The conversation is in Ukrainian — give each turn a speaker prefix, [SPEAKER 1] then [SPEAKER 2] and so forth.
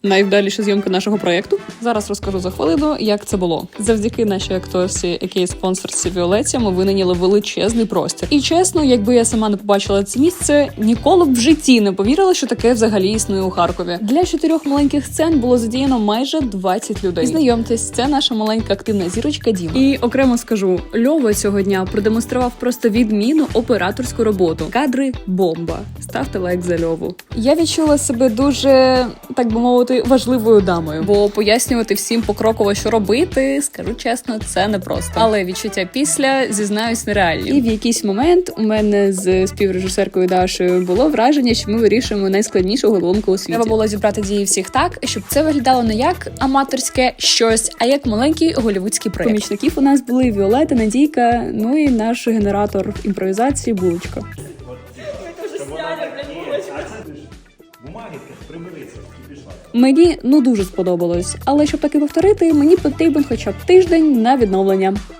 [SPEAKER 1] найвдаліша зйомка нашого проєкту. Зараз розкажу за хвилину, як це було. Завдяки нашій акторці, якій спонсорці Віолетті, ми винайняли величезний простір. І чесно, якби я сама не побачила це місце, ніколи б в житті не повірила, що таке взагалі існує у Харкові. Для 4 маленьких сцен було задіяно майже 20 людей. Знайомтесь, це наша маленька активна зірочка Діма. І окремо скажу, Льова цього дня продемонстрував просто відмінну операторську роботу. Кадри бомба. Ставте лайк за Льову. Я відчула себе дуже, так би мовити, важливою дамою, бо пояснювати всім покроково, що робити, скажу чесно, це непросто. Але відчуття після, зізнаюсь, нереальні. І в якийсь момент у мене з співрежисеркою Дашою було враження, що ми вирішуємо найскладнішу головоломку у світі. Треба було зібрати дії всіх так, щоб це виглядало не як аматорське щось, а як маленький голівудський проєкт. Помічників у нас були Віолетта, Надійка, ну і наш генератор імпровізації Булочка. Мені дуже сподобалось, але щоб таки повторити, мені потрібен хоча б тиждень на відновлення.